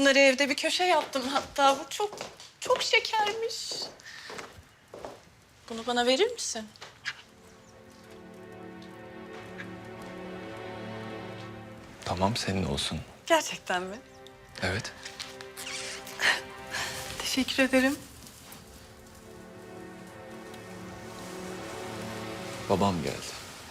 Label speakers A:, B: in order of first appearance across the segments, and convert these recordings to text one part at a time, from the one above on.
A: bunları evde bir köşe yaptım hatta. Bu çok, çok şekermiş. Bunu bana verir misin?
B: Tamam, senin olsun.
A: Gerçekten mi?
B: Evet.
A: Teşekkür ederim.
B: Babam geldi.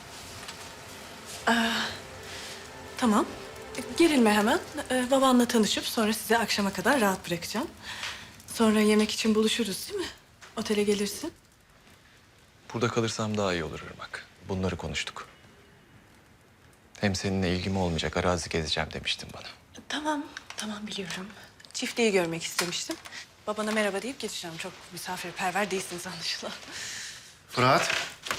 A: Tamam. Gerilme hemen. Babanla tanışıp sonra sizi akşama kadar rahat bırakacağım. Sonra yemek için buluşuruz değil mi? Otele gelirsin.
B: Burada kalırsam daha iyi olur Irmak. Bunları konuştuk. Hem seninle ilgim olmayacak, arazi gezeceğim demiştin bana.
A: Tamam, tamam biliyorum. Çiftliği görmek istemiştim. Babana merhaba deyip geçeceğim. Çok misafirperver değilsiniz anlaşılan.
C: Fırat.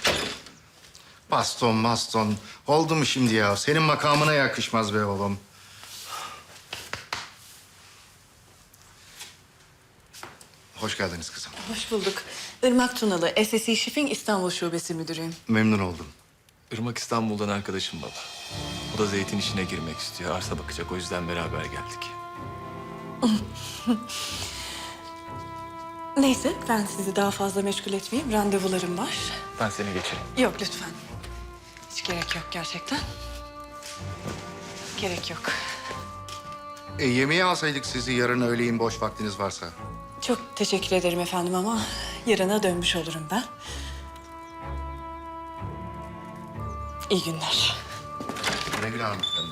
C: Baston. Oldu mu şimdi ya? Senin makamına yakışmaz be oğlum. Hoş geldiniz kızım.
A: Hoş bulduk. Irmak Tunalı, SSE Shipping İstanbul Şubesi Müdürüyüm.
C: Memnun oldum.
B: Irmak İstanbul'dan arkadaşım baba. O da zeytin işine girmek istiyor. Arsa bakacak, o yüzden beraber geldik.
A: Neyse, ben sizi daha fazla meşgul etmeyeyim. Randevularım var.
B: Ben seni geçireyim.
A: Yok lütfen. Hiç gerek yok gerçekten. Gerek yok.
C: Yemeğe alsaydık sizi yarın öğleyin boş vaktiniz varsa.
A: Çok teşekkür ederim efendim ama yarına dönmüş olurum ben. İyi günler.
C: Güle güle hanımefendi.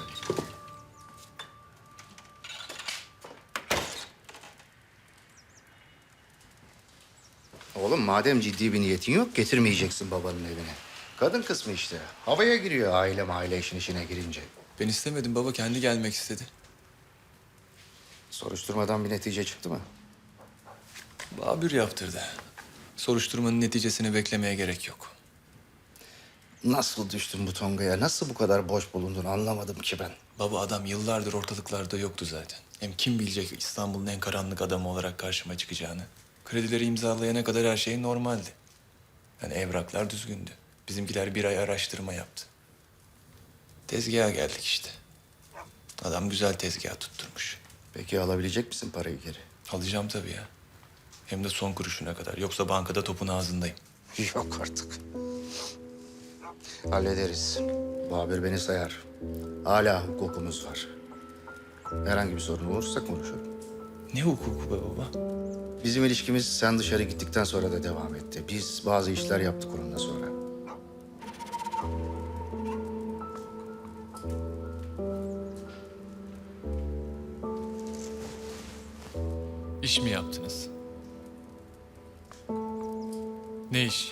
C: Oğlum madem ciddi bir niyetin yok getirmeyeceksin babanın evine. Kadın kısmı işte. Havaya giriyor aile işin içine girince.
B: Ben istemedim baba, kendi gelmek istedi.
C: Soruşturmadan bir netice çıktı mı?
B: Babür yaptırdı. Soruşturmanın neticesini beklemeye gerek yok.
C: Nasıl düştün bu tongaya? Nasıl bu kadar boş bulundun anlamadım ki ben.
B: Baba adam yıllardır ortalıklarda yoktu zaten. Hem kim bilecek İstanbul'un en karanlık adamı olarak karşıma çıkacağını. Kredileri imzalayana kadar her şey normaldi. Yani evraklar düzgündü. Bizimkiler bir ay araştırma yaptı. Tezgaha geldik işte. Adam güzel tezgah tutturmuş.
C: Peki alabilecek misin parayı geri?
B: Alacağım tabii ya. Hem de son kuruşuna kadar. Yoksa bankada topun ağzındayım.
C: Yok artık. Hallederiz. Babür beni sayar. Hala hukukumuz var. Herhangi bir sorun olursa konuşalım.
B: Ne hukuku be baba?
C: Bizim ilişkimiz sen dışarı gittikten sonra da devam etti. Biz bazı işler yaptık onunla sonra.
B: İş mi yaptınız? Ne iş?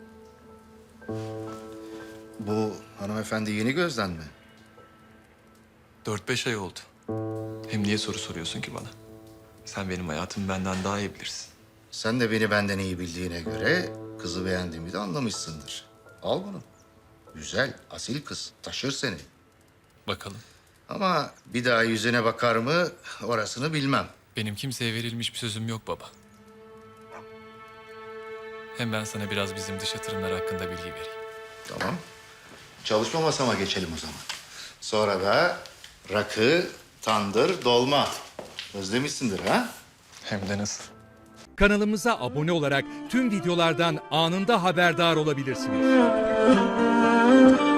C: Bu hanımefendi yeni gözden mi?
B: 4-5 ay oldu. Hem niye soru soruyorsun ki bana? Sen benim hayatımı benden daha iyi bilirsin.
C: Sen de beni benden iyi bildiğine göre kızı beğendiğimi de anlamışsındır. Al bunu. Güzel, asil kız. Taşır seni.
B: Bakalım.
C: Ama bir daha yüzüne bakar mı orasını bilmem.
B: Benim kimseye verilmiş bir sözüm yok baba. Hem ben sana biraz bizim dış yatırımlar hakkında bilgi vereyim.
C: Tamam. Çalışma masama geçelim o zaman. Sonra da rakı, tandır, dolma. Özlemişsindir ha?
B: Hem de nasıl?
D: Kanalımıza abone olarak tüm videolardan anında haberdar olabilirsiniz.